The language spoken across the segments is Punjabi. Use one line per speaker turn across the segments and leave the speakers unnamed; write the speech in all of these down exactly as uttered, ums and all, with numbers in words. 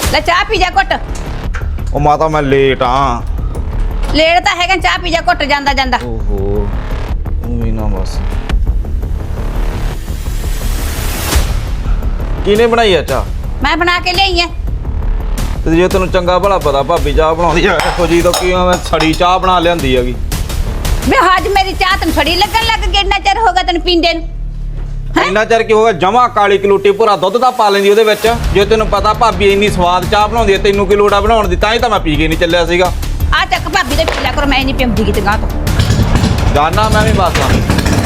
ਲੈ ਚਾਹ ਪੀ ਜਾ ਘੁੱਟ।
ਉਹ ਮਾਤਾ ਮੈਂ ਲੇਟ ਆ।
ਲੇਟ ਤਾਂ ਹੈਗਾ, ਚਾਹ ਪੀ ਜਾ ਘੁੱਟ ਜਾਂਦਾ ਜਾਂਦਾ।
ਓਹੋ ਉਵੇਂ ਨਾ ਬਸ। ਕਿਹਨੇ ਬਣਾਈ ਆ ਚਾਹ?
ਮੈਂ ਬਣਾ ਕੇ ਲਿਆਈ ਐ।
ਤੇ ਜੇ ਤੈਨੂੰ ਚੰਗਾ ਭਲਾ ਪਤਾ ਭਾਬੀ ਚਾਹ ਬਣਾਉਂਦੀ ਆ ਇਹੋ ਜੀ ਤਾਂ ਕੀ ਮੈਂ ਸੜੀ ਚਾਹ ਬਣਾ ਲਿਆਂਦੀ ਹੈਗੀ।
ਵੇ ਅੱਜ ਮੇਰੀ ਚਾਹ ਤੈਨੂੰ ਛੜੀ ਲੱਗਣ ਲੱਗ ਗਈ, ਇੰਨਾ ਚਿਰ ਹੋ ਗਿਆ ਤੈਨੂੰ ਪੀਂਦੇ ਨੂੰ।
ਇੰਨਾ ਚਿਰ ਕੀ ਹੋ ਗਿਆ? ਜਮਾ ਕਾਲੀ ਕਲੂਟੀ ਭੁਰਾ ਦੁੱਧ ਦਾ ਪਾ ਲੈਂਦੀ ਉਹਦੇ ਵਿੱਚ। ਜੇ ਤੈਨੂੰ ਪਤਾ ਭਾਬੀ ਇੰਨੀ ਸਵਾਦ ਚਾਹ ਬਣਾਉਂਦੀ ਹੈ, ਤੈਨੂੰ ਕੀ ਲੋੜ ਆ ਬਣਾਉਣ ਦੀ? ਤਾਂ ਹੀ ਤਾਂ ਮੈਂ ਪੀ ਕੇ ਨਹੀਂ ਚੱਲਿਆ ਸੀਗਾ।
ਆ ਚੱਕ ਭਾਬੀ ਦੇ ਪੀਲਾ ਕਰੋ, ਮੈਂ ਨਹੀਂ ਪੀਂਦੀ ਕਿਤੇ ਗਾਂ ਤੋਂ।
ਜਾਨਾ ਮੈਂ ਵੀ ਬਸ ਆ।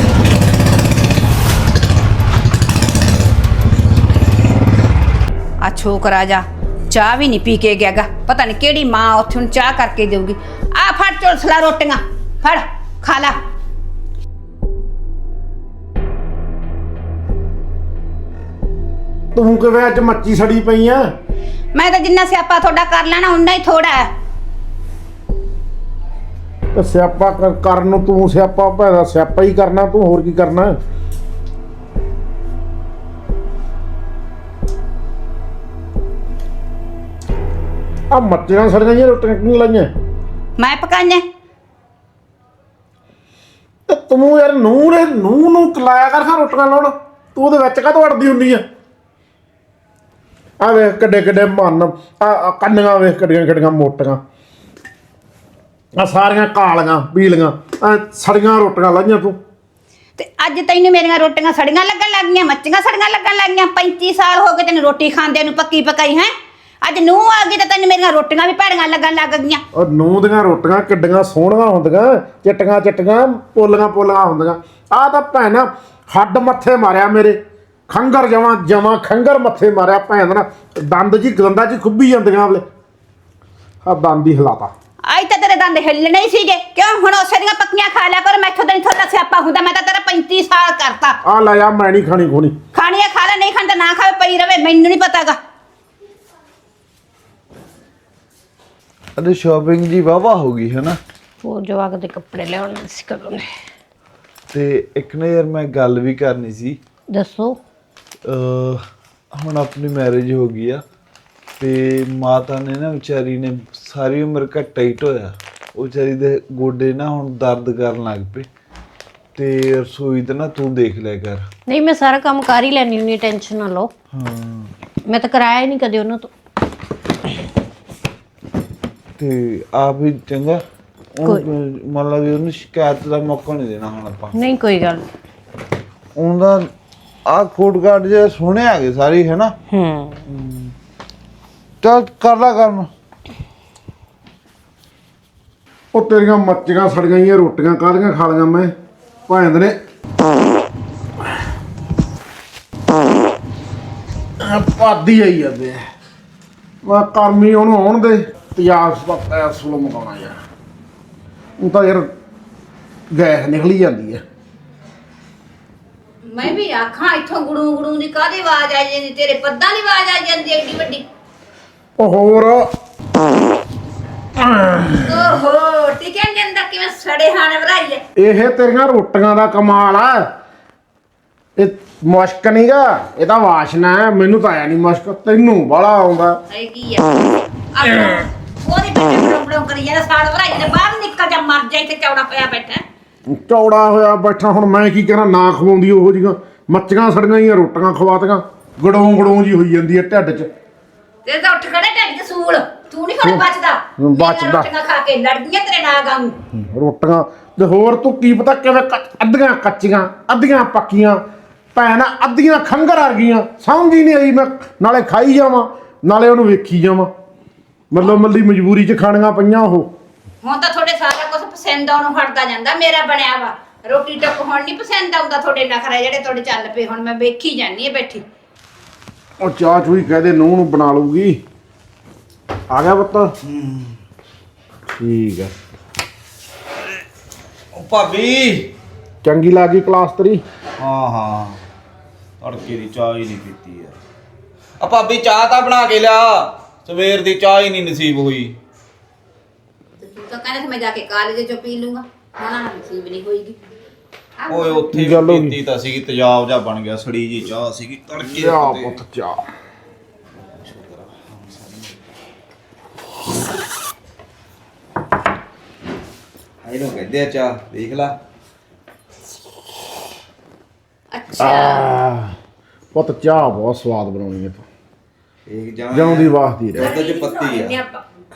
ਆ ਛੋਕਰਾ ਜਾ ਚਾਹ ਵੀ ਨਹੀਂ ਪੀ ਕੇ ਗਿਆਗਾ, ਪਤਾ ਨਹੀਂ ਕਿਹੜੀ ਮਾਂ ਉੱਥੇ ਨੂੰ ਚਾਹ ਕਰਕੇ ਦੇਊਗੀ। ਆ ਫੜ ਝੋਲਸਲਾ ਰੋਟੀਆਂ, ਫੜ ਖਾ ਲਾ।
ਤੂੰ ਕਿਵੇਂ ਅੱਜ ਮੱਚੀ ਸੜੀ ਪਈ ਆ?
ਮੈਂ ਤਾਂ ਜਿੰਨਾ ਸਿਆਪਾ ਤੁਹਾਡਾ ਕਰ ਲੈਣਾ ਉਨਾ ਹੀ ਥੋੜਾ ਹੈ।
ਤੇ ਸਿਆਪਾ ਕਰ- ਕਰਨ ਨੂੰ ਤੂੰ ਸਿਆਪਾ ਭਾਵੇਂ ਸਿਆਪਾ ਹੀ ਕਰਨਾ, ਤੂੰ ਹੋਰ ਕੀ ਕਰਨਾ? ਆ ਮੱਚੀਆਂ ਸੜੀਆਂ ਜਿਹੀਆਂ ਰੋਟੀਆਂ ਕਿਉਂ ਲਾਈਆਂ?
ਮੈਂ ਪਕਾਈਆਂ।
ਤੇ ਤੂੰ ਯਾਰ ਨੂੰਹ ਨੇ ਨੂੰਹ ਨੂੰ ਕਲਾਇਆ ਕਰ ਖਾ ਰੋਟੀਆਂ ਲਾਉਣ, ਤੂੰ ਉਹਦੇ ਵਿੱਚ ਕਾਹਤੋਂ ਅੜਦੀ ਹੁੰਦੀ ਆ? ਆ ਵੇਖ ਕਿੱਡੇ ਕਿੱਡੇ ਮਨ, ਆ ਕੰਨੀਆਂ ਵੇਖ ਕਿੱਡੀਆਂ ਕਿੱਡੀਆਂ ਮੋਟੀਆਂ, ਆ ਸਾਰੀਆਂ ਕਾਲੀਆਂ ਪੀਲੀਆਂ, ਆ ਸੜੀਆਂ ਰੋਟੀਆਂ ਲਾਈਆਂ ਤੂੰ।
ਤੇ ਅੱਜ ਤੈਨੂੰ ਮੇਰੀਆਂ ਰੋਟੀਆਂ ਸੜੀਆਂ ਲੱਗਣ ਲੱਗ ਗਈਆਂ, ਮੱਚੀਆਂ ਸੜੀਆਂ ਲੱਗਣ ਲੱਗ ਗਈਆਂ। ਪੈਂਤੀ ਸਾਲ ਹੋ ਗਏ ਤੈਨੂੰ ਰੋਟੀ ਖਾਂਦੇ ਨੂੰ, ਪੱਕੀ ਪਕਾਈ ਹੈ। ਅੱਜ ਨੂੰਹ ਆ ਗਈ ਤਾਂ ਤੈਨੂੰ ਮੇਰੀਆਂ ਰੋਟੀਆਂ ਵੀ ਭੈੜੀਆਂ ਲੱਗਣ ਲੱਗ ਗਈਆਂ।
ਔਰ ਨੂੰਹ ਦੀਆਂ ਰੋਟੀਆਂ ਕਿੱਡੀਆਂ ਸੋਹਣੀਆਂ ਹੁੰਦੀਆਂ, ਚਿੱਟੀਆਂ ਚਿੱਟੀਆਂ ਪੋਲੀਆਂ ਪੋਲੀਆਂ ਹੁੰਦੀਆਂ। ਆਹ ਤਾਂ ਭੈਣ ਹੱਡ ਮੱਥੇ ਮਾਰਿਆ ਮੇਰੇ, ਖੰਗਰ ਜਮਾਂ ਜਮਾਂ ਖੰਗਰ ਮੱਥੇ ਮਾਰਿਆ ਭੈਣ ਨਾ, ਦੰਦ ਜੀ ਗੰਦਾ ਜੀ ਖੁੱਭੀ ਜਾਂਦੀਆਂ ਵੇਲੇ। ਆ ਦੰਦ ਹੀ ਹਿਲਾਤਾ।
ਅੱਜ ਤਾਂ ਤੇਰੇ ਦੰਦ ਹਿੱਲਣੇ ਹੀ ਸੀਗੇ, ਕਿਉਂ? ਹੁਣ ਉਸੇ ਦੀਆਂ ਪੱਕੀਆਂ ਖਾ ਲਿਆ ਕਰ, ਮੈਥੋਂ ਤਾਂ ਨਹੀਂ ਥੋੜਾ ਸਿਆਪਾ ਹੁੰਦਾ। ਮੈਂ ਤਾਂ ਤੇਰਾ ਪੈਂਤੀ ਸਾਲ ਕਰਤਾ।
ਆ ਲੈ ਆ, ਮੈਂ ਨਹੀਂ ਖਾਣੀ ਖੋਣੀ।
ਖਾਣੀ ਆ ਖਾ ਲੈ, ਨਹੀਂ ਖਾਣੀ ਤਾਂ ਨਾ ਖਾਵੇ, ਪਈ ਰਵੇ, ਮੈਨੂੰ ਨਹੀਂ ਪਤਾਗਾ।
ਅਰੇ ਸ਼ਾਪਿੰਗ ਜੀ ਵਾਵਾ ਹੋ ਗਈ ਹੈ ਨਾ।
ਉਹ ਜਵਾਕ ਦੇ ਕੱਪੜੇ ਲਿਆਉਣੇ ਸੀ ਕਦੋਂ ਨੇ।
ਤੇ ਇੱਕ ਨਾ ਯਾਰ ਮੈਂ ਗੱਲ ਵੀ ਕਰਨੀ ਸੀ।
ਦੱਸੋ।
ਹੁਣ ਆਪਣੀ ਮੈਰਿਜ ਹੋ ਗਈ ਆ ਤੇ ਮਾਤਾ ਨੇ ਨਾ ਵਿਚਾਰੀ ਨੇ ਸਾਰੀ ਉਮਰ ਘੱਟਾ ਹੀ ਢੋਇਆ। ਉਹ ਵਿਚਾਰੀ ਦੇ ਗੋਡੇ ਨਾ ਹੁਣ ਦਰਦ ਕਰਨ ਲੱਗ ਪਏ ਤੇ ਰਸੋਈ ਤੇ ਨਾ ਤੂੰ ਦੇਖ ਲਿਆ ਕਰ।
ਨਹੀਂ ਮੈਂ ਸਾਰਾ ਕੰਮ ਕਰ ਹੀ ਲੈਣੀ ਹੁੰਦੀ, ਟੈਨਸ਼ਨ ਨਾ ਲਓ।
ਹਾਂ
ਮੈਂ ਤਾਂ ਕਰਾਇਆ ਹੀ ਨਹੀਂ ਕਦੇ ਉਹਨਾਂ ਤੋਂ।
ਤੇ ਆਪ ਵੀ ਚੰਗਾ ਮੰਨ ਲਾ ਵੀ ਉਹਨੂੰ ਸ਼ਿਕਾਇਤ ਦਾ ਮੌਕਾ ਨਹੀਂ ਦੇਣਾ ਹੁਣ ਆਪਾਂ।
ਨਹੀਂ ਕੋਈ ਗੱਲ
ਉਹਦਾ ਆ ਕੋਟ ਕਾਰਡ ਜੇ ਸੋਹਣੇ ਆ ਗਏ ਸਾਰੇ ਹੈ ਨਾ।
ਹੂੰ
ਚੱਲ ਕਰ ਲਾ ਕੰਮ।
ਉਹ ਤੇਰੀਆਂ ਮੱਚੀਆਂ ਸੜੀਆਂ ਜਿਹੀਆਂ ਰੋਟੀਆਂ ਕਾਹਦੀਆਂ ਖਾ ਲਈਆਂ ਮੈਂ ਭੈਣ ਨੇ। ਪਾਦੀ ਆਈ ਜਾਂਦੇ ਮੈਂ ਕਰਮੀ ਉਹਨੂੰ ਆਉਣ ਦੇ ਤਿਆਸ ਪਤਾ ਸੁਲ ਮਗਾਉਣਾ ਯਾਰ। ਉਹ ਤਾਂ ਯਾਰ ਗੈਸ ਨਿਕਲੀ ਜਾਂਦੀ ਹੈ।
ਮੈਂ ਵੀ ਆਖਾਂ ਇੱਥੋਂ ਗੁੜੂ ਗੁੜੂ ਦੀ ਕਾਹਦੀ ਆਵਾਜ਼ ਆ ਜਾਂਦੀ, ਤੇਰੇ ਪੱਦਾਂ ਦੀ ਆਵਾਜ਼ ਆ ਜਾਂਦੀ ਏਡੀ ਵੱਡੀ।
ਉਹ ਹੋਰ
ਓਹੋ ਟਿਕਣ ਦੇ ਅੰਦਰ ਕਿਵੇਂ ਸੜੇ ਹਾਣੇ ਭਰਾਈ ਐ।
ਇਹ ਤੇਰੀਆਂ ਰੋਟੀਆਂ ਦਾ ਕਮਾਲ ਆ। ਇਹ ਮੁਸ਼ਕ ਨਹੀਂਗਾ, ਇਹ ਤਾਂ ਵਾਸ਼ਨਾ ਹੈ। ਮੈਨੂੰ ਤਾਂ ਆਇਆ ਨਹੀਂ ਮੁਸ਼ਕ, ਤੈਨੂੰ ਬਾਹਲਾ ਆਉਂਦਾ।
ਇਹ ਕੀ ਆ? ਉਹਦੀ ਬੱਚੇ ਬੜੋਂ ਬੜੋਂ ਕਰੀ ਜਾਂਦਾ, ਸਾੜ ਭਰਾਈ ਦੇ ਬਾਹਰ ਨਿਕਲ ਜਾ, ਮਰ ਜਾ, ਇੱਥੇ ਚੌੜਾ ਪਿਆ ਬੈਠਾ।
ਚੌੜਾ ਹੋਇਆ ਬੈਠਾ, ਹੁਣ ਮੈਂ ਕੀ ਕਰਾਂ? ਨਾ ਖਵਾਉਂਦੀ ਉਹੋ ਜਿਹੀਆਂ ਮੱਚੀਆਂ ਸੜੀਆਂ ਜਿਹੀਆਂ ਰੋਟੀਆਂ ਖਵਾਤੀਆਂ, ਗੜੋਂ ਗੜੋਂ ਜੀ ਹੋਈ ਜਾਂਦੀ ਹੈ ਢਿੱਡ 'ਚ।
ਤੇ ਤਾਂ ਉੱਠ ਖੜੇ ਢਿੱਡ 'ਚ ਸੂਲ, ਤੂੰ ਨਹੀਂ ਹੁਣ ਬਚਦਾ।
ਬਚਦਾ।
ਰੋਟੀਆਂ ਖਾ ਕੇ ਲੜਦੀਆਂ ਤੇਰੇ ਨਾਲ ਗਾਂ।
ਰੋਟੀਆਂ ਤੇ ਹੋਰ ਤੂੰ ਕੀ ਪਤਾ ਕਿਵੇਂ ਕੱਚ- ਅੱਧੀਆਂ ਕੱਚੀਆਂ ਅੱਧੀਆਂ ਪੱਕੀਆਂ ਭੈਣ, ਅੱਧੀਆਂ ਖੰਗਰ ਆ ਗਈਆਂ। ਸਮਝ ਹੀ ਨਹੀਂ ਆਈ, ਮੈਂ ਨਾਲੇ ਖਾਈ ਜਾਵਾਂ ਨਾਲੇ ਉਹਨੂੰ ਵੇਖੀ ਜਾਵਾਂ। ਮਤਲਬ ਮੱਲੀ ਮਜਬੂਰੀ 'ਚ ਖਾਣੀਆਂ ਪਈਆਂ ਉਹ।
ਹੁਣ ਤਾਂ ਤੁਹਾਡੇ ਸਾਰਾ ਕੁਝ ਪਸੰਦ ਆਉਣੋਂ ਹਟਦਾ ਜਾਂਦਾ। ਮੇਰਾ ਬਣਿਆ ਵਾ ਰੋਟੀ ਟੱਕ ਹੁਣ ਨਹੀਂ ਪਸੰਦ ਆਉਂਦਾ। ਤੁਹਾਡੇ ਨਖਰੇ ਜਿਹੜੇ ਤੁਹਾਡੇ ਚੱਲ ਪਏ, ਹੁਣ ਮੈਂ ਵੇਖੀ ਜਾਂਦੀ ਆ ਬੈਠੀ।
ਉਹ ਚਾਹ ਚੂਈ ਕਹਦੇ ਨੂੰਹ ਨੂੰ ਬਣਾ ਲਊਗੀ। ਆ ਗਿਆ ਪੁੱਤ? ਠੀਕ ਹੈ।
ਉਹ ਭਾਬੀ
ਚੰਗੀ ਲੱਗੀ ਕਲਾਸ ਤੇਰੀ?
ਹਾਂ ਹਾਂ ਤੜਕੇ ਦੀ ਚਾਹ ਹੀ ਨਹੀਂ ਪੀਤੀ ਯਾਰ। ਆ ਭਾਬੀ ਚਾਹ ਤਾਂ ਬਣਾ ਕੇ ਲਿਆ, ਸਵੇਰ ਦੀ ਚਾਹ ਹੀ ਨਹੀਂ ਨਸੀਬ ਹੋਈ।
ਤੂੰ ਤਾਂ ਕਹਿੰਦਾ ਸੀ ਮੈਂ ਜਾ ਕੇ ਕਾਲਜ ਚੋਂ ਪੀ ਲੂੰਗਾ, ਹੁਣ ਨਸੀਬ ਨਹੀਂ ਹੋਈਗੀ।
ਓਏ ਉੱਥੇ
ਗੱਲ ਹੋ
ਵੀ
ਗਈ।
ਪੀਤੀ ਤਾਂ ਸੀਗੀ, ਤੇਜ਼ਾਬ ਜਾ ਬਣ ਗਿਆ, ਸੜੀ ਜੀ ਚਾਹ ਸੀਗੀ ਤੜਕੇ
ਚਾਹ
ਦੇ।
ਪੁੱਤ ਚਾਹ।
ਇਹਨੂੰ ਕਹਿੰਦੇ ਆ ਚਾਹ, ਦੇਖ ਲਾ।
ਅੱਛਾ
ਆਹ, ਪੁੱਤ ਚਾਹ ਬਹੁਤ ਸਵਾਦ ਬਣਾਉਣੀ ਹੈ ਤੂੰ,
ਇਹ ਜਮਾਂ
ਜਿਉਂ ਦੀ ਵਾਸਦੀ ਰਹਿ।
ਦੁੱਧ 'ਚ ਪੱਤੀ ਆ।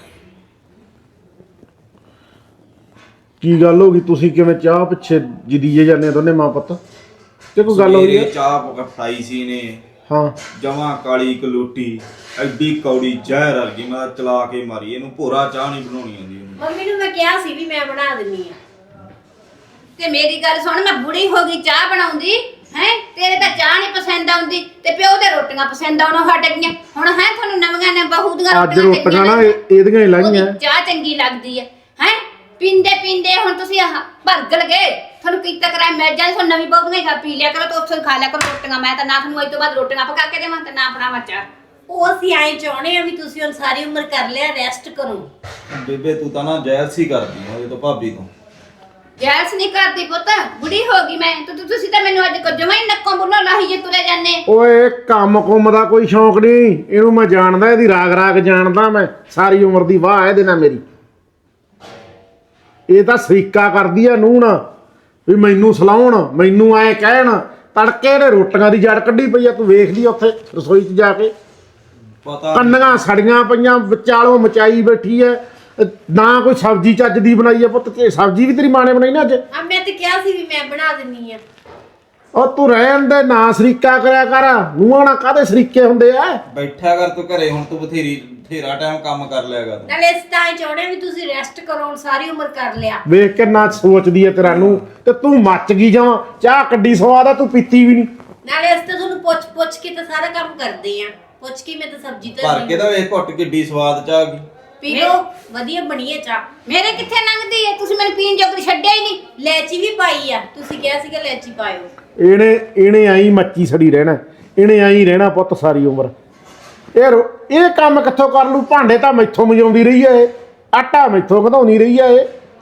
ਕੀ ਗੱਲ ਹੋ ਗਈ, ਤੁਸੀਂ ਕਿਵੇਂ ਚਾਹ ਪਿੱਛੇ ਜਿਦੀਏ ਜਾਂਦੇ ਦੋਨੇ ਮਾਂ ਪੁੱਤ, ਤੇ ਕੋਈ ਗੱਲ ਹੋਈ
ਸਵੇਰੇ
ਹੈ?
ਚਾਹ ਪਕਾਈ ਸੀ ਨੇ,
ਹਾਂ
ਜਮਾਂ ਕਾਲੀ ਕਲੂਟੀ, ਐਡੀ ਕੌੜੀ ਜ਼ਹਿਰ ਵਰਗੀ। ਮੈਂ ਤਾਂ ਚਲਾ ਕੇ ਮਾਰੀ ਇਹਨੂੰ, ਭੋਰਾ ਚਾਹ ਨਹੀਂ ਬਣਾਉਣੀ ਆਉਂਦੀ ਉਹਨੂੰ।
ਮੰਮੀ ਨੂੰ ਮੈਂ ਕਿਹਾ ਸੀ ਵੀ ਮੈਂ ਬਣਾ ਦਿੰਨੀ ਆ।
ਤੇ ਮੇਰੀ ਗੱਲ ਸੁਣ, ਮੈਂ ਬੁੜੀ ਹੋ ਗਈ ਚਾਹ ਬਣਾਉਂਦੀ ਹੈ, ਤੇਰੇ ਤਾਂ ਚਾਹ ਨਹੀਂ ਪਸੰਦ ਆਉਂਦੀ ਤੇ ਪਿਓ ਦੇ ਰੋਟੀਆਂ ਪਸੰਦ ਆਉਣੋਂ ਹਟ ਗਈਆਂ। ਹੁਣ ਹੈ ਤੁਹਾਨੂੰ ਨਵੀਆਂ ਨੇ ਬਹੂ ਦੀਆਂ
ਅੱਜ
ਰੋਟੀਆਂ
ਰੋਟੀਆਂ ਨਾ ਇਹ- ਇਹਦੀਆਂ ਹੀ ਲਾਈਆਂ।
ਉਹਦੀ ਚਾਹ ਚੰਗੀ ਲੱਗਦੀ ਹੈ ਹੈ ਪੀਂਦੇ ਪੀਂਦੇ ਹੁਣ ਤੁਸੀਂ ਆਹ ਭਰਗਲ ਗਏ, ਤੁਹਾਨੂੰ ਕੀਤਾ ਕਰਾਇਆ ਮਿਲ ਜਾਂਦੀ। ਤੁਹਾਨੂੰ ਨਵੀਂ ਬਹੂ ਦੀਆਂ ਖਾ ਪੀ ਲਿਆ ਕਰੋ ਤੇ ਉੱਥੋਂ ਖਾ ਲਿਆ ਕਰੋ ਰੋਟੀਆਂ। ਮੈਂ ਤਾਂ ਨਾ ਤੁਹਾਨੂੰ ਅੱਜ ਤੋਂ ਬਾਅਦ ਰੋਟੀਆਂ ਪਕਾ ਕੇ ਦੇਵਾਂ ਤੇ ਨਾ ਬਣਾਵਾਂ ਚਾਹ।
ਉਹ ਅਸੀਂ ਐਂ ਚਾਹੁੰਦੇ ਆ ਵੀ ਤੁਸੀਂ ਹੁਣ ਸਾਰੀ ਉਮਰ ਕਰ ਲਿਆ, ਰੈਸਟ ਕਰੋ।
ਬੇਬੇ ਤੂੰ ਤਾਂ ਨਾ ਜੈਲਸੀ ਕਰਦੀ ਆ ਉਹਦੇ ਤੋਂ, ਭਾਬੀ ਤੋਂ।
ਜੈਲਸ ਨਹੀਂ ਕਰਦੀ ਪੁੱਤ, ਬੁੜੀ ਹੋ ਗਈ ਮੈਂ। ਤੂੰ ਤੂੰ- ਤੁਸੀਂ ਤਾਂ ਮੈਨੂੰ ਅੱਜ ਕੋ ਜਮਾਂ ਹੀ ਨੱਕੋਂ ਬੁੱਲੋਂ ਲਾਹੀ ਜੇ ਤੁਰੇ ਜਾਂਦੇ।
ਓਏ ਕੰਮ ਕੁੰਮ ਦਾ ਕੋਈ ਸ਼ੌਂਕ ਨਹੀਂ, ਇਹਨੂੰ ਮੈਂ ਜਾਣਦਾ, ਇਹਦੀ ਰਾਗ ਰਾਗ ਜਾਣਦਾ ਮੈਂ, ਸਾਰੀ ਉਮਰ ਦੀ ਵਾਹ ਇਹਦੇ ਨਾਲ ਮੇਰੀ। ਇਹ ਤਾਂ ਸਰੀਕਾ ਕਰਦੀ ਆ ਨੂੰਹ ਨਾ, ਵੀ ਮੈਨੂੰ ਸਲਾਉਣ, ਮੈਨੂੰ ਐ ਕਹਿਣ। ਤੜਕੇ ਦੇ ਰੋਟੀਆਂ ਦੀ ਜੜ ਕੱਢੀ ਪਈ ਆ, ਤੂੰ ਵੇਖ ਲਈ ਉੱਥੇ ਰਸੋਈ 'ਚ ਜਾ ਕੇ,
ਪਤਾ
ਕੰਨੀਆਂ ਸੜੀਆਂ ਪਈਆਂ, ਵਿਚਾਲੋਂ ਮਚਾਈ ਬੈਠੀ ਐ। ਨਾ ਕੋਈ ਸਬਜ਼ੀ ਚੱਜ ਦੀ ਬਣਾਈ ਐ ਪੁੱਤ, ਤੇ ਸਬਜ਼ੀ ਵੀ ਤੇਰੀ ਮਾਂ ਨੇ ਬਣਾਈ ਨਾ ਅੱਜ।
ਆ ਮੈਂ ਤੇ ਕਿਹਾ ਸੀ ਵੀ ਮੈਂ ਬਣਾ ਦਿੰਨੀ ਆ।
ਉਹ ਤੂੰ ਰਹਿਣ ਦੇ, ਨਾ ਸਰੀਕਾ ਕਰਿਆ ਕਰ। ਨੂੰਹਾਂ ਨਾਲ ਕਾਹਦੇ ਸਰੀਕੇ ਹੁੰਦੇ ਆ?
ਬੈਠਾ ਕਰ ਤੂੰ ਘਰੇ, ਹੁਣ ਤੂੰ ਬਥੇਰੀ ਬਥੇਰਾ ਟਾਈਮ ਕੰਮ ਕਰ ਲਿਆ ਕਰ।
ਨਾਲੇ ਇਸ ਤਾਂ ਐਂ ਚਾਹੁੰਦੇ ਆ ਵੀ ਤੁਸੀਂ ਰੈਸਟ ਕਰੋ, ਹੁਣ ਸਾਰੀ ਉਮਰ ਕਰ ਲਿਆ।
ਵੇਖ ਕੇ ਨਾ ਸੋਚਦੀ ਐ ਤੇਰਾ ਨੂੰ, ਤੇ ਤੂੰ ਮੱਚ ਗਈ ਜਾਵਾਂ। ਚਾਹ ਕੱਢੀ ਸਵਾਦ ਆ, ਤੂੰ ਪੀਤੀ ਵੀ ਨਹੀਂ।
ਨਾਲੇ ਇਸ ਤੇ ਤੁਹਾਨੂੰ ਪੁੱਛ ਪੁੱਛ ਕੇ ਤਾਂ ਸਾਰਾ ਕੰਮ ਕਰਦੇ ਆ। ਪੁੱਛ ਕੇ ਮੈਂ ਤਾਂ ਸਬਜ਼ੀ
ਭਰ
ਧਰਨੀ
ਕੇ ਤਾਂ ਵੇਖ ਘੁੱਟ ਕਿੱਡੀ ਸਵਾਦ ਚਾਹ ਗਈ।
ਪੀ ਲਓ, ਵਧੀਆ ਬਣੀ ਹੈ ਚਾਹ।
ਮੇਰੇ ਕਿੱਥੇ ਲੰਘਦੀ ਹੈ, ਤੁਸੀਂ ਮੈਨੂੰ ਪੀਣ ਜੋਗਰੀ ਛੱਡਿਆ ਹੀ ਨਹੀਂ।
ਲੈਚੀ ਵੀ ਪਾਈ ਆ, ਤੁਸੀਂ ਕਿਹਾ ਸੀਗਾ ਲੈਚੀ ਪਾਇਓ।
ਇਹਨੇ ਇਹਨੇ ਆਈ ਮੱਚੀ ਸੜੀ ਰਹਿਣਾ, ਇਹਨੇ ਆਈ ਰਹਿਣਾ ਪੁੱਤ ਸਾਰੀ ਉਮਰ। ਇਹ ਰੋ- ਇਹ ਕੰਮ ਕਿੱਥੋਂ ਕਰ ਲੂ? ਭਾਂਡੇ ਤਾਂ ਮੈਥੋਂ ਮਜਾਉਂਦੀ ਰਹੀ ਐ ਇਹ, ਆਟਾ ਮੈਥੋਂ ਵਧਾਉਂਦੀ ਰਹੀ ਐ ਇਹ।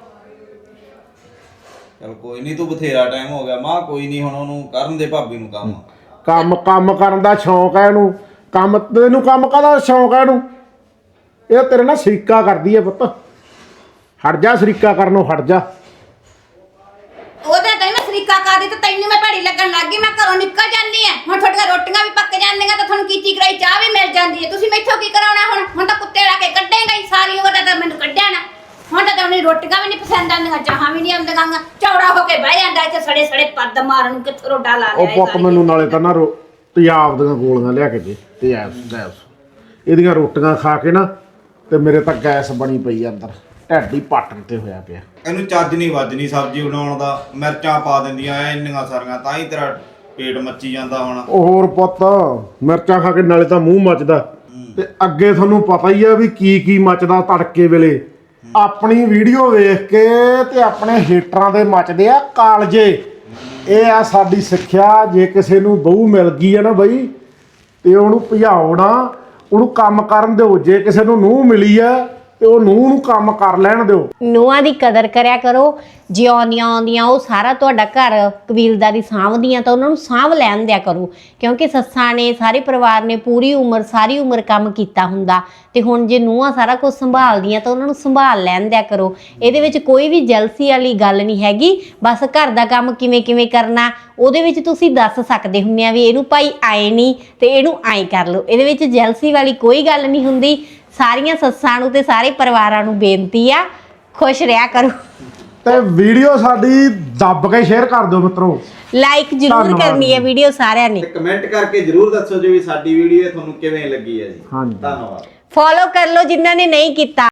ਚਲ ਕੋਈ ਨਹੀਂ, ਤੂੰ ਬਥੇਰਾ ਟਾਈਮ ਹੋ ਗਿਆ ਮਾਂ, ਕੋਈ ਨਹੀਂ, ਹੁਣ ਉਹਨੂੰ ਕਰਨ ਦੇ ਭਾਬੀ ਨੂੰ ਕੰਮ।
ਕੰਮ ਕੰਮ ਕਰਨ ਦਾ ਸ਼ੌਂਕ ਹੈ ਇਹਨੂੰ, ਕੰਮ ਤੈਨੂੰ ਕੰਮ ਕਾਹਦਾ ਸ਼ੌਂਕ ਹੈ ਇਹਨੂੰ? ਇਹ ਤੇਰੇ ਨਾਲ ਸਰੀਕਾ ਕਰਦੀ ਐ ਪੁੱਤ, ਹਟ ਜਾ ਸਰੀਕਾ ਕਰਨੋਂ, ਹਟ ਜਾ।
ਉਹਦੇ ਤਾਂ ਮੈਂ ਸਰੀਕਾ ਕਰਦੀ ਤੇ ਤੈਨੂੰ ਮੈਂ ਭੈੜੀ ਲੱਗਣ ਲੱਗ ਗਈ। ਮੈਂ ਘਰੋਂ ਨਿਕਲ ਜਾਂਦੀ ਆ, ਹੁਣ ਤੁਹਾਡੀਆਂ ਰੋਟੀਆਂ ਵੀ ਪੱਕ ਜਾਂਦੀਆਂ ਤੇ ਤੁਹਾਨੂੰ ਕੀਤੀ ਕਰਾਈ ਚਾਹ ਵੀ ਮਿਲ ਜਾਂਦੀ ਹੈ। ਤੁਸੀਂ ਮੈਥੋਂ ਕੀ ਕਰਾਉਣਾ ਹੁਣ? ਹੁਣ ਤਾਂ ਕੁੱਤੇ ਲਾ ਕੇ ਕੱਢੇਗਾ ਹੀ, ਸਾਰੀ ਉਮਰ ਤਾਂ ਮੈਨੂੰ ਕੱਢਿਆ ਨਾ। ਹੁਣ ਤਾਂ ਤੁਹਾਨੂੰ ਰੋਟੀਆਂ ਵੀ ਨਹੀਂ ਪਸੰਦ ਆਉਂਦੀਆਂ, ਚਾਹਾਂ ਵੀ ਨਹੀਂ ਆਉਂਦੀਆਂ। ਚੌੜਾ ਹੋ ਕੇ ਬਹਿ ਜਾਂਦਾ ਇੱਥੇ ਸੜੇ ਸੜੇ ਪੱਦ ਮਾਰਨ ਨੂੰ, ਕਿੱਥੋਂ ਰੋਡਾ ਲਾ
ਉਹ
ਲਿਆ
ਪੁੱਤ ਮੈਨੂੰ ਨਾਲੇ ਤਾਂ ਨਾ ਰੋ ਤਿਆਬ ਦੀਆਂ ਗੋਲੀਆਂ ਲਿਆ ਕੇ ਦੇ, ਤਿਆਬ ਗੈਸ। ਇਹਦੀਆਂ ਰੋਟੀਆਂ ਖਾ ਕੇ ਨਾ ਤੇ ਮੇਰੇ ਤਾਂ ਗੈਸ ਬਣੀ ਪਈ ਆ ਅੰਦਰ, ਢਿੱਡ ਹੀ ਪੱਟ ਤੇ ਹੋਇਆ ਪਿਆ।
ਇਹਨੂੰ ਚੱਜ ਨਹੀਂ ਵੱਜਣੀ ਸਬਜ਼ੀ ਬਣਾਉਣ ਦਾ, ਮਿਰਚਾਂ ਪਾ ਦਿੰਦੀਆਂ ਐ ਇੰਨੀਆਂ ਸਾਰੀਆਂ, ਤਾਂ ਹੀ ਤੇਰਾ ਪੇਟ ਮੱਚੀ ਜਾਂਦਾ ਹੁਣ।
ਉਹ ਹੋਰ ਪੁੱਤ, ਮਿਰਚਾਂ ਖਾ ਕੇ ਨਾਲੇ ਤਾਂ ਮੂੰਹ ਮੱਚਦਾ, ਤੇ ਅੱਗੇ ਤੁਹਾਨੂੰ ਪਤਾ ਹੀ ਆ ਵੀ ਕੀ ਕੀ ਮੱਚਦਾ ਤੜਕੇ ਵੇਲੇ। ਆਪਣੀ ਵੀਡੀਓ ਵੇਖ ਕੇ ਤੇ ਆਪਣੇ ਹੇਟਰਾਂ ਦੇ ਮੱਚਦੇ ਆ ਕਾਲਜੇ। ਇਹ ਆ ਸਾਡੀ ਸਿੱਖਿਆ, ਜੇ ਕਿਸੇ ਨੂੰ ਬਹੂ ਮਿਲ ਗਈ ਆ ਨਾ ਬਈ, ਤੇ ਉਹਨੂੰ ਭਜਾਓ ਨਾ, ਉਹਨੂੰ ਕੰਮ ਕਰਨ ਦਿਓ। ਜੇ ਕਿਸੇ ਨੂੰ ਨੂੰਹ ਮਿਲੀ ਆ ਤੇ ਉਹ ਨੂੰਹ ਨੂੰ ਕੰਮ ਕਰ ਲੈਣ ਦਿਓ।
ਨੂੰਹਾਂ ਦੀ ਕਦਰ ਕਰਿਆ ਕਰੋ, ਜੇ ਆਉਂਦੀਆਂ ਆਉਂਦੀਆਂ ਉਹ ਸਾਰਾ ਤੁਹਾਡਾ ਘਰ ਕਬੀਲਦਾਰੀ ਸਾਂਭਦੀਆਂ ਤਾਂ ਉਹਨਾਂ ਨੂੰ ਸਾਂਭ ਲੈਣ ਦਿਆ ਕਰੋ। ਕਿਉਂਕਿ ਸੱਸਾਂ ਨੇ, ਸਾਰੇ ਪਰਿਵਾਰ ਨੇ ਪੂਰੀ ਉਮਰ ਸਾਰੀ ਉਮਰ ਕੰਮ ਕੀਤਾ ਹੁੰਦਾ, ਤੇ ਹੁਣ ਜੇ ਨੂੰਹਾਂ ਸਾਰਾ ਕੁਝ ਸੰਭਾਲਦੀਆਂ ਤਾਂ ਉਹਨਾਂ ਨੂੰ ਸੰਭਾਲ ਲੈਣ ਦਿਆ ਕਰੋ। ਇਹਦੇ ਵਿੱਚ ਕੋਈ ਵੀ ਜਲਸੀ ਵਾਲੀ ਗੱਲ ਨਹੀਂ ਹੈਗੀ। ਬਸ ਘਰ ਦਾ ਕੰਮ ਕਿਵੇਂ ਕਿਵੇਂ ਕਰਨਾ ਉਹਦੇ ਵਿੱਚ ਤੁਸੀਂ ਦੱਸ ਸਕਦੇ ਹੁੰਦੇ ਆ ਵੀ ਇਹਨੂੰ ਭਾਈ ਆਏ ਨਹੀਂ ਤੇ ਇਹਨੂੰ ਆਏ ਕਰ ਲਓ। ਇਹਦੇ ਵਿੱਚ ਜਲਸੀ ਵਾਲੀ ਕੋਈ ਗੱਲ ਨਹੀਂ ਹੁੰਦੀ। ਸਾਰੀਆਂ ਸੱਸਾਂ ਨੂੰ ਤੇ ਸਾਰੇ ਪਰਿਵਾਰਾਂ ਨੂੰ ਬੇਨਤੀ ਆ, ਖੁਸ਼ ਰਿਹਾ ਕਰੋ।
ਤੇ ਵੀਡੀਓ ਸਾਡੀ ਦੱਬ ਕੇ ਸ਼ੇਅਰ ਕਰ ਦਿਓ ਮਿੱਤਰੋ,
ਲਾਈਕ ਜ਼ਰੂਰ
ਧੰਨਵਾਦ
ਕਰਨੀ ਹੈ ਵੀਡੀਓ ਸਾਰਿਆਂ ਨੇ।
ਤੇ ਕਮੈਂਟ ਕਰਕੇ ਜਰੂਰ ਦੱਸੋ ਜੀ ਵੀ ਸਾਡੀ ਵੀਡੀਓ ਤੁਹਾਨੂੰ ਕਿਵੇਂ ਲੱਗੀ ਹੈ ਜੀ।
ਹਾਂਜੀ।
ਧੰਨਵਾਦ।
ਫੋਲੋ ਕਰ ਲਓ ਜਿਨ੍ਹਾਂ ਨੇ ਨਹੀਂ ਕੀਤਾ।